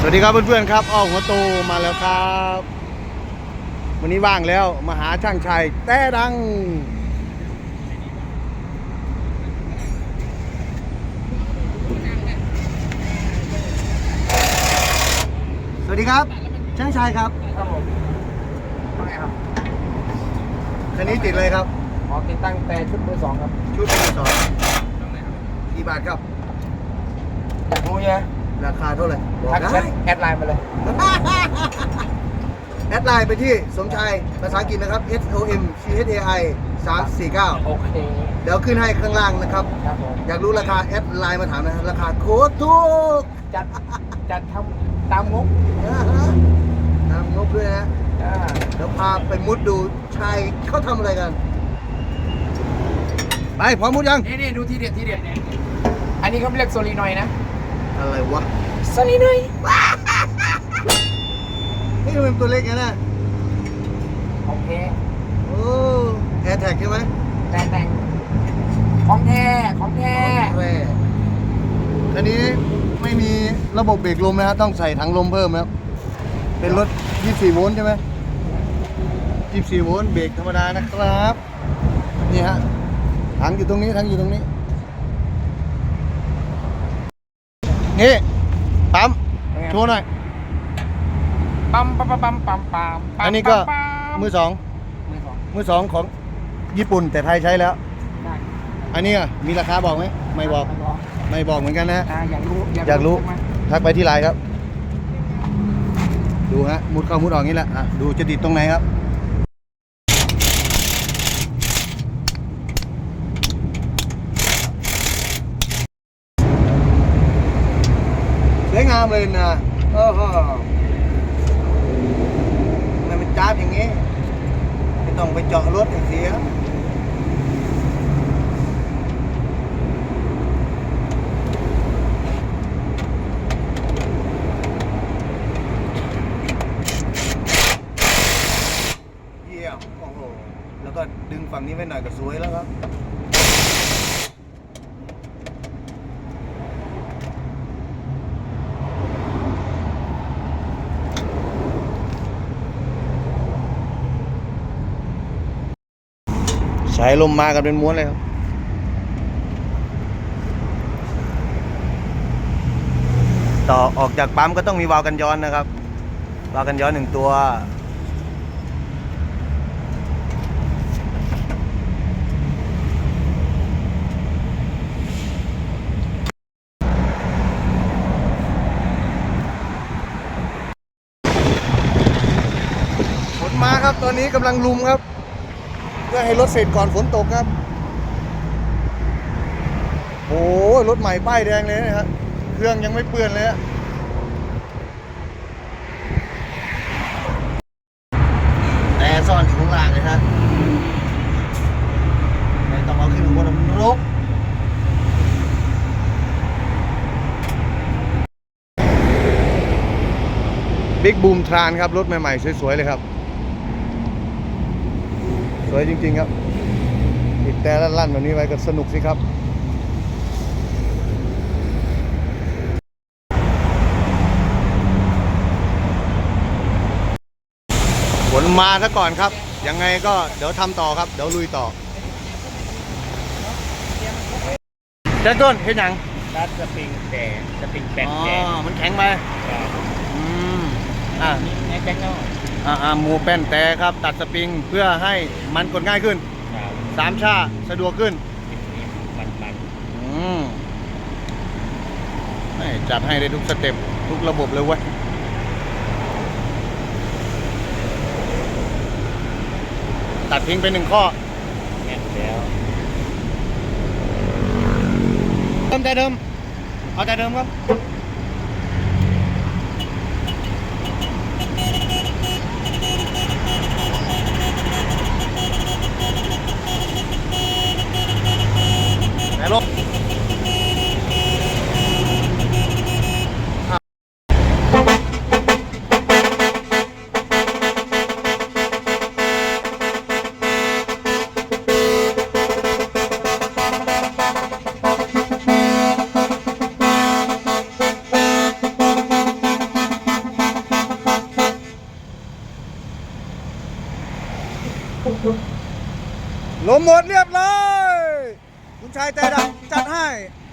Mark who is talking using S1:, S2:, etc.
S1: วัสดีครับเพื่อนๆครับอ้อหัวโตมาแล้วครับวันนี้ว่างแล้วมาหาช่างชัยแต่ดังสวัสดีครับช่างชัยครับ
S2: ครับผมไม่ครับ
S1: คันนี้ติดเลยครับ
S2: ขอติดตั้งแต่ชุดมือสองครับ
S1: ชุดมือสองกี่บาทครับ
S2: อยากรู้ใช่ไหม
S1: ราคาเท่าไหร่บอก
S2: ทัก
S1: ได้
S2: แอดไลน์มาเลย
S1: แอดไลน์ไปที่สมชายภาษาอังกฤษนะครับ SOMCHAI 349
S2: โอเค
S1: เดี๋ยวขึ้นให้ข้างล่างนะครับ
S2: ครับผม
S1: อยากรู้ราคาแอดไลน์มาถามนะราคาโคตรถูก
S2: จัดทำตามงบ
S1: ตามงบด้วยนะ
S2: อ่า
S1: เดี๋ยวพาไปมุดดูชายเขาทำอะไรกันไปพร้อมมุดยัง
S2: นี่ดูทีเด็ดอันนี้เขาเรียกโซลีนอยนะ
S1: อะไรวะ
S2: โซลีนอย
S1: นี่มันตัวเล็กนะ
S2: โอเค
S1: โอ้แอร์แท็กใช่ไหม
S2: แต่งของแท้
S1: คันนี้ไม่มีระบบเบรกลมนะฮะต้องใส่ถังลมเพิ่มนะครับเป็นรถ24โวลต์ใช่ไหม24โวลต์เบรกธรรมดานะครับนี่ฮะถังอยู่ตรงนี้นี่ปั๊มโชว์หน่อย
S2: ปั๊ม
S1: อันนี้ก็มือสองของญี่ปุ่นแต่ไทยใช้แล้วอันนี้มีราคาบอกไหมไม่บอกเหมือนกันนะอยากรู้ทักไปที่ไลน์ครับดูฮะมุดเข้ามุดออกนี้แหละดูจะติดตรงไหนครับสวยงามเลยนะโอ้โหมันจ้าบอย่างนี้ไม่ต้องไปเจาะรถเสียโอ้โหแล้วก็ดึงฝั่งนี้ไว้หน่อยก็สวยแล้วครับสายลมมากันเป็นม้วนเลยครับต่อออกจากปั๊มก็ต้องมีวาล์วกันย้อนนะครับวาล์วกันย้อน1ตัวฝนมาครับตอนนี้กำลังลุมครับเพื่อให้รถเสร็จก่อนฝนตกครับโอ้รถใหม่ป้ายแดงเลยนะครับเครื่องยังไม่เปื้อนเลยฮะแต่ซ่อนอยู่ข้างล่างเลยครับไม่ต้องเอาขึ้นบนรกบิ๊กบูมทรานครับรถใหม่ๆสวยๆเลยครับสวยจริงๆครับติดแต่ลั่นๆแบบนี้ไว้ก็สนุกสิครับฝนมาซะก่อนครับยังไงก็เดี๋ยวทำต่อครับเดี๋ยวลุยต่อเจ้าต้นเห็นยัง
S2: ดัดสปริงแปดแดง
S1: มันแข็งไป
S2: นี่แจ็คเนาะ
S1: หมูแป้นแต่ครับตัดสปริงเพื่อให้มันกดง่ายขึ้น3 ชาสะดวกขึ้นจัดให้ได้ทุกสเต็ปทุกระบบเลยเว้ยตัดทิ้งไป1 ข้อ
S2: แน่นแล้ว
S1: แต่เดิมเอาแต่เดิมครับแต่ลบลมหมดเรียบร้อยคุณชายใจดำจัดให้